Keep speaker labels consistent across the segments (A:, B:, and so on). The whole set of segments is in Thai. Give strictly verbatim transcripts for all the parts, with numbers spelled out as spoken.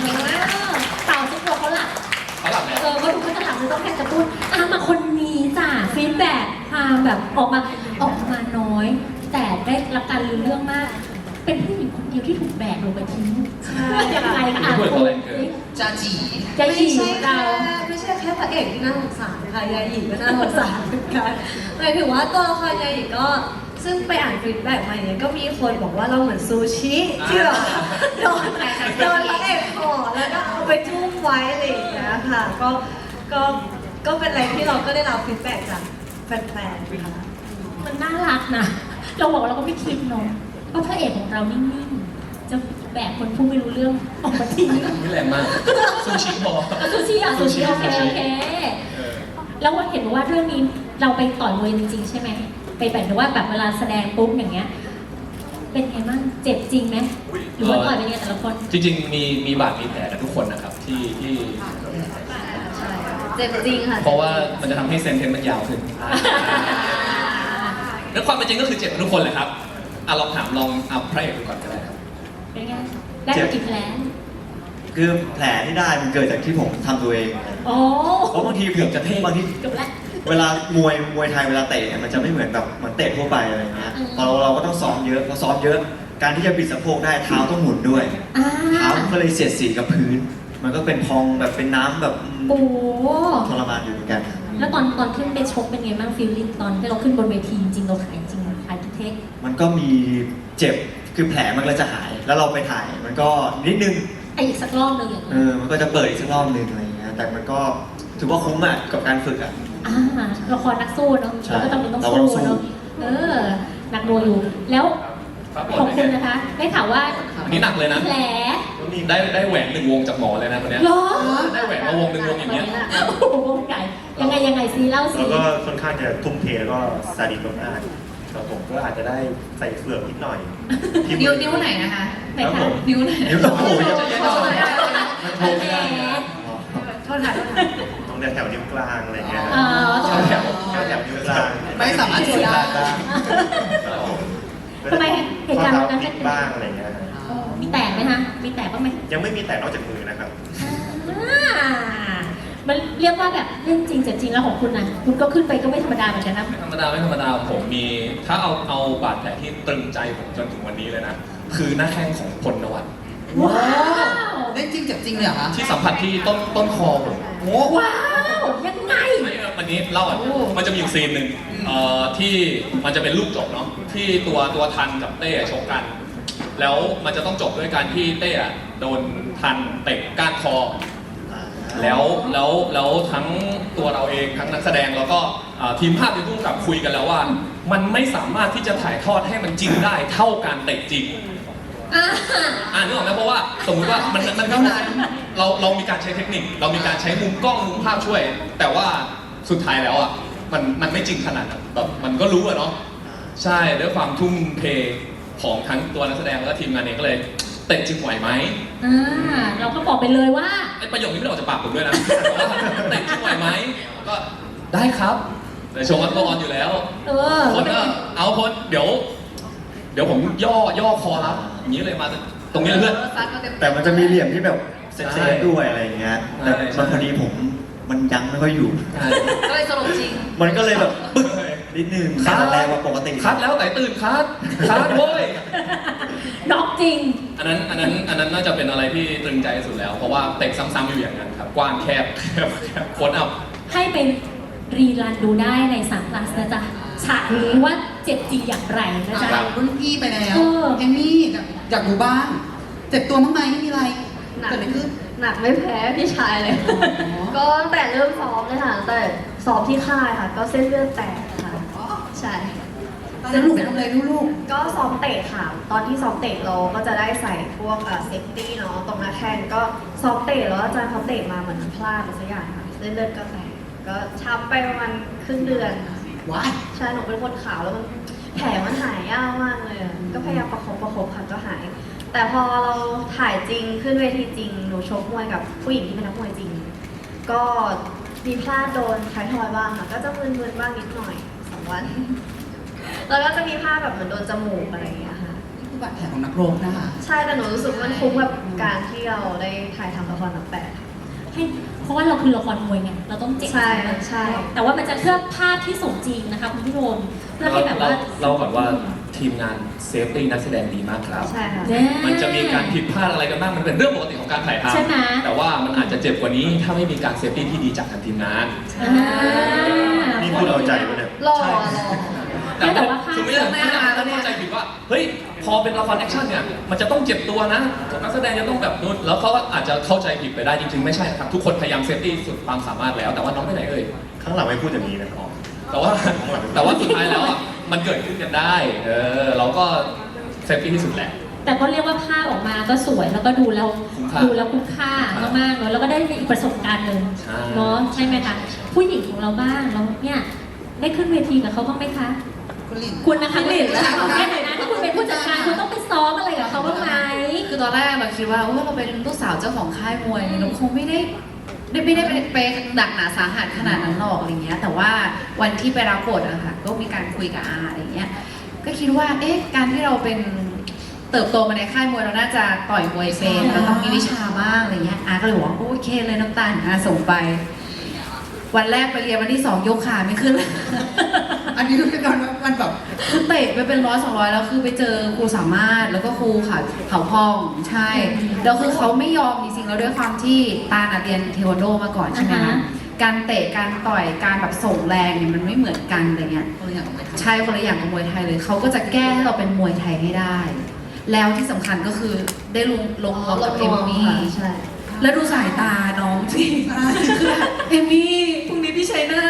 A: เต่าทุกตัวเขาหลับ
B: เขาหลับแล้ว
A: เออก็ดูเขาจะหลับเลยต้องแค่จะพูดอ่ะมาคนนี้จ้ะฟีดแบ็กพาแบบออกมาออกมาน้อย แต่ได้รับการรู้เรื่องมาก เป็นผู้หญิงคนเดียวที่ถูกแบกลงไปทิ้งยังไงคะอ่านคุณ
C: จาจี
A: จะ
D: ไม่
A: หญิง
D: ใช่
A: เรา
D: แค่ไม่ใช่แค่พระเอกที่น่าสงสารค่ะยาหยีก็น่าสงสารเหมือนกันหมายถึงว่าตัวละครยาหยีก็ซึ่งไปอ่านฟีดแบ็กมาเนี่ยก็มีคนบอกว่าเราเหมือนซูชิที่แบบโดนโดนพระเอกห่อแล้วก็เอาไปทุ่มไว้อะไรอย่างเงี้ยค่ะก็ก็ก็เป็นอะไรที่เราก็ได้รับฟีดแบ็กจากแฟนๆค่ะ
A: มันน่ารักนะ เราบอกเราก็ไม่คิดเนาะว่าพระเอกของเรานิ่งๆ จะแบกคนผู้ไม่รู้เรื่องออกมาทิ้ง
B: ไม่แรงมากซูชิบอล
A: เอาซูชิอ่ะซูชิโอเคโอเค
B: เออ
A: แล้วว่าเห็นว่าเรื่องนี้เราไปต่อยมวยจริงๆใช่ไหม ไปแบบว่าแบบเวลาแสดงปุ๊บอย่างเงี้ย เป็นไงบ้างเจ็บจริงไหมหรือว่าต่อยเป็นไงแต่ละคน
B: จริงๆมีมีบาดมีแผลกันทุกคนนะครับที่ที่
D: ใช่เจ็บจริงค่ะ
B: เพราะว่ามันจะทำให้เซนเทนมันยาวขึ้นแล้วความเป็นจริงก็คือเจ็บกันทุกคนแหละครับอ่ะลองถามลองเอาพระเอกดูก่อนก็ได้ครับ
A: เป็นไง ได้มากี่แผล
E: คือแผลที่ได้มันเกิดจากที่ผมทำตัวเอง
A: โอ้
E: เพราะบางที
B: เกือบจะเท่
E: บางที
A: เกือบแล้ว
E: เวลามวยมวยไทยเวลาเตะเนี่ยมันจะไม่เหมือนแบบเหมือนเตะทั่วไปอะไรเงี้ย
A: อืม
E: พอเราเราก็ต้องซ้อมเยอะพอซ้อมเยอะ การที่จะบิดสะโพกได้เท้าต้องหมุนด้วย
A: อ่า
E: เท้ามันก็เลยเสียดสีกับพื้น มันก็เป็นพองแบบเป็นน้ำแบบ
A: โอ้
E: ทรมานอยู่เหมือนกัน
A: แล้วตอนตอนขึ้นไปชกเป็นไงบ้างฟีลลิ่งตอนที่เราขึ้นบนเวทีจริงๆเราขายจริงขายทุกเทค
E: มันก็มีเจ็บคือแผลมันก็จะหาย แล้วเราไปถ่ายมันก็นิดนึง
A: ไออีกสักรอบหนึ่งอย่าง
E: เอ
A: เงี้ย
E: อมันก็จะเปิดอีกสักรอบนึงอะไรเงี้ยแต่มันก็ถือว่าคุ้มอ่ะกับการฝึกอ่ะ
A: อ่าละครนักสู้เนาะ
E: ใช่
A: เราก็ต้องเป็นต้อง
E: เราก็ต้องสู้
A: สู้เนาะเออหนักหน่วงอยู่ แล้ว
B: ครับ
A: ของคุณนะคะ ได้ข่าวว่า
B: อันนี้หนักเลยนะ
A: แผล
B: ได้ได้แหวนหนึ่งวงจากหมอเลยนะคนเนี้ย
A: เหรอ
B: ได้แหวนมาวงหนึ่งวงอย่างเงี้ย
A: โอ้โหวงใหญ่ยังไงยังไงซีเล่าซี
F: แล้วก็ค่อนข้างจะทุ่มเทแล้วก็ซาดิสมากๆแต่ผมก็อาจจะได้ใส่เฟือกนิดหน่อยที่
C: นิ้ว
F: มือ
C: นิ้วไหนนะคะ
A: ไหน
F: ครับ
A: คะ
F: ผม
C: นิ้วไหน
E: นิ้วโอ้โห
A: แผล
D: โทษค่ะโทษค่ะ
F: ตรงแถวนิ้วกลางอะไรเงี้ย
A: เออ
B: แถวแถว
F: แถวแถวนิ้วกลาง
C: ไม่สามารถถือได้
A: ทำไมเหตุการณ์วันนั้น
F: ติ
A: เป็น
F: ดบ้างอะไรเงี้ย
A: เออมีแตกไหมคะมีแตกบ้างไหม
F: ยังไม่มีแต่นอกจากมือนะครับ
A: อ่ามันเรียกว่าแบบเรื่องจริงเจ็บจริงแล้วของคุณนะคุณก็ขึ้นไปก็ไม่ธรรมดาเหมือนกันนะ
B: ไม่ธรรมดาไม่ธรรมดาผมมีถ้าเอาเอาบาดแผลที่ตรึงใจผมจนถึงวันนี้เลยนะ คือหน้าแข้งของพลนวัต
A: ว้าว
C: เล่นจริงเจ็บจริงเลยเหรอคะ
B: ที่สัมผัสที่ต้นต้นคอผม
C: โอ้
A: ว้าวยังไง
B: ไม่วันนี้เล่าอ่ะมันจะมีอยู่ซีนหนึ่งเอ่อที่มันจะเป็นลูกจบเนาะที่ตัวตัวทันกับเต้ชกกัน แล้วมันจะต้องจบด้วยการที่เต้อะโดนทันเตะก้านคอ แล้วแล้วแล้วทั้งตัวเราเองทั้งนักแสดงแล้วก็เอ่อทีมภาพทีมผู้กำกับคุยกันแล้วว่า มันไม่สามารถที่จะถ่ายทอดให้มันจริงได้เท่าการเตะจริง
A: อ่า
B: อ่านึกออกไหมเพราะว่าสมมุติว่ามันมันก็เราเรามีการใช้เทคนิค เรามีการใช้มุมกล้องมุมภาพช่วย แต่ว่าสุดท้ายแล้วอ่ะมันมันไม่จริงขนาดนั้นแบบมันก็รู้อะเนาะใช่ด้วยความทุ่มเทของทั้งตัวนักแสดงและทีมงานเองก็เลยเตะจริงไหวไหม
A: อ่าเราก็บอกไปเลยว่า
B: ไอ้ประโยคนี้ไม่ได้ออกจากปากผมด้วยนะว่าเตะจริงไหวไหมก็ได้ครับแต่ชงอัลกอฮอล์อยู่แล้ว
A: เออ
B: คนก็เอาคนเดี๋ยว เดี๋ยวผมย่อย่อคอรับอย่างนี้เลยมาตรงนี้เลยเพื่อน
C: ซัดมาเต็ม
E: แต่มันจะมีเหลี่ยมที่แบบเซ
B: ใช่
E: ฟๆด้วยอะไรเงี้ยแต่
B: ใช่
E: มันพอดีผมมันยังไม่ค่อยอยู่
C: ก็เลยสรุปจริง
E: มันก็เลยแบบปึ๊กนิดนึง
B: คัด
E: แรงกว่าปกติ
B: คัดแล้วแต่ตื่นคัดคัดโว้ย
A: น็อกจริง
B: อันนั้นอันนั้นอันนั้นน่าจะเป็นอะไรที่ตรึงใจที่สุดแล้ว เพราะว่าเตะซ้ำๆอยู่อย่างนั้นครับ กว้างแคบแคบแคบโคนอัพ
A: ให้ไปรีรันดูได้ในสามพลัสนะจ๊ะฉากนี้ว่าเจ็บจริงอย่างไรนะจ๊ะ
C: จากรุ่นพี่ไปแล้ว
A: เออ
C: เอมมี่อยากอยากรู้บ้าง เจ็บตัวบ้างไหมไม่มีอะไร
D: หนัก
C: เกิดอะไรขึ้น
D: หนักไม่แพ้พี่ชายเลย
C: อ๋อ
D: ก็ตั้งแต่เริ่มซ้อมเลยค่ะตั้งแต่ซ้อมที่ค่ายค่ะ ก็เส้นเลือดแตกค่ะ ใช่
C: แล้วลูกไปทำอะไรลูก
D: ก็ซ้อมเตะค่ะ ตอนที่ซ้อมเตะเราก็จะได้ใส่พวกเซฟตี้เนาะตรงหน้าแข้งก็ซ้อมเตะแล้วอาจารย์เขาเตะมาเหมือนพลาดอะไรสักอย่างค่ะเส้นเลือดก็แตกก็ช้ำไปประมาณครึ่งเดือนค่ะ
C: ๆว้าย
D: ใช่หนูเป็นคนขาวแล้วมันแผลมันหายยากมากเลยอะก็พยายามประคบประคบค่ะก็หาย แต่พอเราถ่ายจริงขึ้นเวทีจริงหนูชกมวยกับผู้หญิงที่เป็นนักมวยจริง ก็มีพลาดโดนท้ายทอยบ้างค่ะ ก็จะมึนๆบ้างนิดหน่อยสองวัน แล้วก็จะมีพลาดแบบเหมือนโดนจมูกอะไรอย่างเงี้ยค่ะ
C: คือบาดแผลของนักรบนะคะ
D: ใช่แต่หนูรู้สึกว่ามันคุ้มกับการที่เราได้ถ่ายทำละครหนังแปด
A: ให้เพราะว่าเราคือละครมวยไงเราต้องเจ็บ
D: ใช่ใช่
A: แต่ว่ามันจะเพื่อภาพที่สมจริงนะคะคุณผู้ชมเพื่อให้แบบว่า
B: เราก่อนว่าทีมงานเซฟตี้นักแสดงดีมากครับ
D: ใช่ค่ะ
A: แน่
B: มันจะมีการผิดพลาดอะไรกันบ้าง มันเป็นเรื่องปกติของการถ่ายท
A: ใช่ไหม
B: ำแต่ว่ามันอาจจะเจ็บกว่านี้ถ้าไม่มีการเซฟตี้ที่ดีจากทางทีมงาน
A: อ่า
F: นี่พูดเอาใจปะเนี่ย
D: รอรอ
A: ไม่แต่ว่าภาพ
B: คือไม่ได้ไม่ได้เข้าใจผิดว่า เฮ้ย พอเป็นละครแอคชั่นเนี่ย มันจะต้องเจ็บตัวนะ นักแสดงจะต้องแบบนู้นแล้วเขาก็อาจจะเข้าใจผิดไปได้จริงๆ ไม่ใช่นะครับ ทุกคนพยายามเซฟตี้สุดความสามารถแล้ว แต่ว่าน้องไปไหนเอ่ย
F: ข้างหลังไม่พูดอย่างนี้นะครับ
B: แต่ว่าแต่ว่าสุดท้ายแล้วอ่ะ มันเกิดขึ้นกันได้ เออ เราก็เซฟตี้ที่สุดแหละ
A: แต่ก็เรียกว่าภาพออกมาก็สวยแล้วก็ดูแล้ว
B: คุ้มค่า
A: ดูแล้วคุ้มค่ามากๆเนาะแล้วก็ได้อีกประสบการณ์หนึ่ง
B: ใช่
A: เนาะใช่ไหมคะผู้หญิงของเราบ้างเราเนี่ยได้ขึ้นเวทีกับเขาบ้างไหมคะ
C: คุณหลิน
A: คุณนะคะ
C: คุณหลิน
A: ในฐานะที่คุณเป็นผู้จัดการคุณต้องไปซ้อมอะไรกับเขาบ้างไหม
G: คือตอนแรกเราคิดว่าว่าเราเป็นลูกสาวเจ้าของค่ายมวยเราคงไม่ได้ไม่ไม่ได้ไปไปหนักหนาสาหัสขนาดนั้นหรอกอะไรเงี้ย แต่ว่าวันที่ไปรับบทอะค่ะก็มีการคุยกับอาอะไรเงี้ย ก็คิดว่าเอ๊ะการที่เราเป็นเติบโตมาในค่ายมวยเราน่าจะต่อยมวยเป็นเราต้องมีวิชาบ้างอะไรเงี้ยอาก็เลยบอกว่าโอเคเลยน้ำตาลอาส่งไป วันแรกไปเรียนวันที่สองยกขาไม่ขึ้นเลย
C: อันนี้คือเป็นการว่ามันแบบ
G: คือเตะไปเป็นร้อยสองร้อยแล้วคือไปเจอครูสามารถแล้วก็ครูค่ะเขาพองใช่แล้วคือเขาไม่ยอมจริงๆแล้วด้วยความที่ตาน่ะเรียนเทควันโดมาก่อนใช่ไหม
A: อ่า
G: คะ
A: ฮะ
G: การเตะการต่อยการแบบส่งแรงเนี่ยมันไม่เหมือนกันอะไรเงี้ย
C: ตัวอย่างของมัน
G: ใช่คนละอย่างกับมวยไทยเลยเขาก็จะแก้ให้เราเป็นมวยไทยให้ได้ แล้วที่สำคัญก็คือได้ลงลงรองกับเอมมี่
D: ใช่
G: แล้วดูสายตาน้องสิคือแบบเอมมี่พรุ่งนี้พี่ชัยหน้า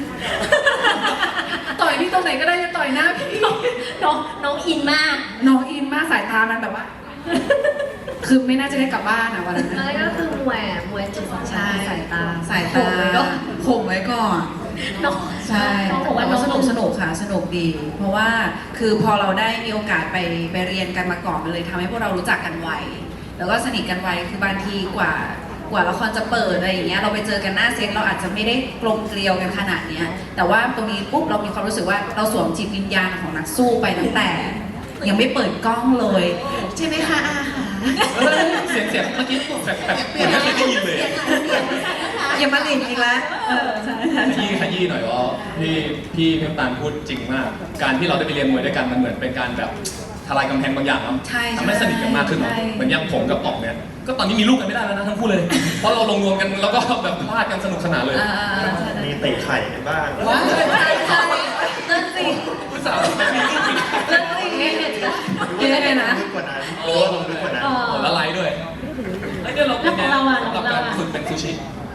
G: ต่อยพี่ตรงไหนก็ได้จะต่อยหน้าพี่
A: น้องน้องอินมาก
G: น้องอินมากสายตามันแบบว่า คือไม่น่าจะได้กลับบ้านอะวันนั้น
D: อะไรก็คือมวยอะมวยจุดสำคัญ
G: ใช่
D: สายตา
G: สาย
D: โผ
G: ตา
D: ล่ไว้ก็
G: ข่มไว้ก่อน
A: น้อง
G: ใช่
A: น้องบอกว่า
G: แต่
A: น้อ
G: ว่าง สนุก
A: ลง
G: สนุกค่ะสนุกดี เพราะว่าคือพอเราได้มีโอกาสไปไปเรียนกันมาก่อนมันเลยทำให้พวกเรารู้จักกันไวแล้วก็สนิทกันไวคือบางทีกว่ากว่าละครจะเปิดอะไรอย่างเงี้ยเราไปเจอกันหน้าเซตเราอาจจะไม่ได้กลมเกลียวกันขนาดเนี้ยแต่ว่าตรงนี้ปุ๊บเรามีความรู้สึกว่าเราสวมจิตวิญญาณของนักสู้ไปตั้งแต่ ยังไม่เปิดกล้องเลยใช่ไหมคะอาหา
B: เฮ้ยเสียงเสียงเมื่อกี้แปลกๆเหมือนไม่เคยได้ยินเลย
G: อย่ามาหลินอีกแล้วเออใช่ใช่
B: ขยี้ขยี้หน่อยว่าพี่พี่พี่น้ำตาลพูดจริงมาก การที่เราได้ไปเรียนมวยด้วยกันมันเหมือนเป็นการแบบทลายกำแพงบางอย่างเนาะ
G: ใช่
B: ทำให้สนิทกันมากขึ้นเนาะ
G: ใช่
B: เหมือนอย่างผมกับป๋องเนี่ยก็ตอนนี้มีลูกกันไม่ได้แล้วนะทั้งคู่เลย เพราะเราลงรวมกันแล้วก็แบบพลาดกันสนุกสนานเลย
G: อ่าใช่
F: มีเตะไข่กันบ้าง
C: ว้าว
G: ใช่ใช่นั่นสิ
B: ผู้สาวไม่มีลูกอีก
G: นั่นสิยังไงนะ
F: ลึกกว่านั้นเพราะว่าลงลึกกว่านั้น
A: อ๋อ
B: โอ้แล้วไลฟ์ด้วยเอ้ยเนี่ยเราเป็นไง
A: แล้วของเราอะ
B: สำหรับ
A: ของเรา
B: การ
A: อะ
B: ฝึกเป็นซูชิ